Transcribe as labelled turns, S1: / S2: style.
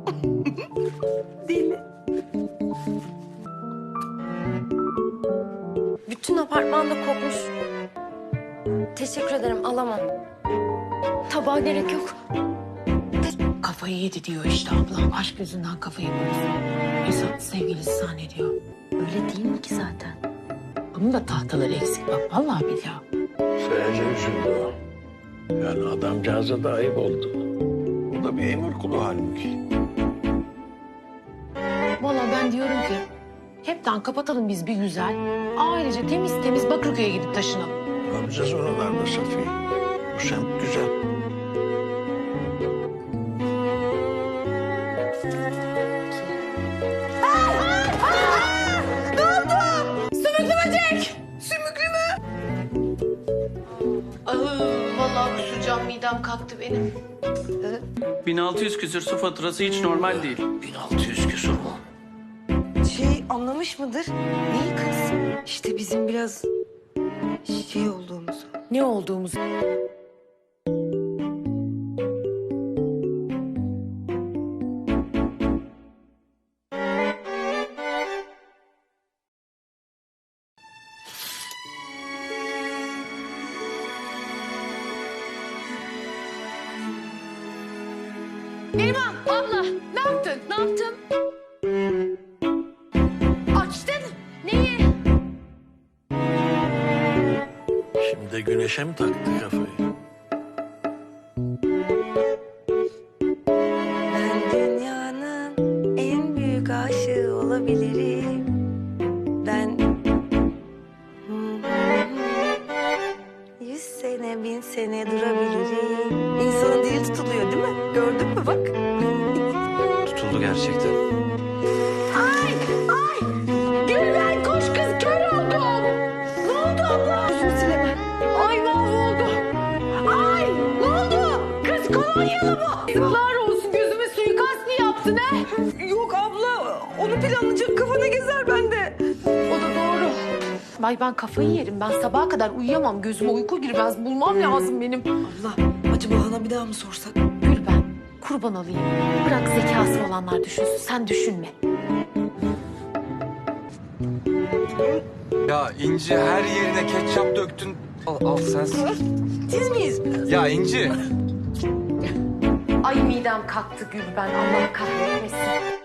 S1: Deli.
S2: Bütün apartmanda kokmuş. Teşekkür ederim, alamam. Tabağa gerek yok.
S3: Kafayı yedi diyor işte ablam. Aşk yüzünden kafayı bozdu. İnsan sevgilisi zannediyor.
S2: Öyle değil mi ki zaten?
S3: Bunun da tahtaları eksik bak. Vallahi billahi.
S4: Sadece üzüldü o. Yani adamcağıza da ayıp oldu. O da bir emir kulu halbuki.
S3: Vallahi ben diyorum ki hepten kapatalım biz bir güzel. Ailece temiz temiz Bakırköy'e gidip taşınalım.
S4: Ne yapacağız oralarda Safiye? Bu semt güzel.
S3: Vallahi kusacağım, midem kalktı benim.
S5: 1600 küsür su faturası hiç normal değil.
S4: 1600 küsur mu?
S1: Anlamış mıdır? Neyi kız? İşte bizim biraz olduğumuzu.
S3: Ne olduğumuzu. Neriman abla ne yaptın?
S2: Ne yaptım? Açtın. Neyi?
S4: Şimdi de güneşe mi taktı kafayı?
S1: Ben dünyanın en büyük aşığı olabilirim. Ben 100 sene 1000 sene durabilirim. İnsanın dili tutuluyor değil mi? Gördün mü bak.
S6: Tutuldu gerçekten.
S3: Gülben koş kız kör oldum. Ne oldu abla? Yüzümü silemem. Ay mahvoldum. Ay ne oldu? Kız kolonyalı mı? Yazıklar olsun gözüme suikast mı yaptın he?
S1: Yok abla, onu planlayacak kafana gezer bende.
S3: O da doğru. Ay ben kafayı yerim. Ben sabaha kadar uyuyamam. Gözüme uyku girmez. Bulmam lazım benim.
S1: Abla, acaba Han'a bir daha mı sorsak?
S3: Gülben kurban olayım. Bırak zekası olanlar düşünsün. Sen düşünme.
S6: Ya İnci her yerine ketçap döktün. Al sen.
S1: Siz miyiz biraz?
S6: Ya İnci.
S3: Ay midem kalktı Gülben. Allah kahretmesin.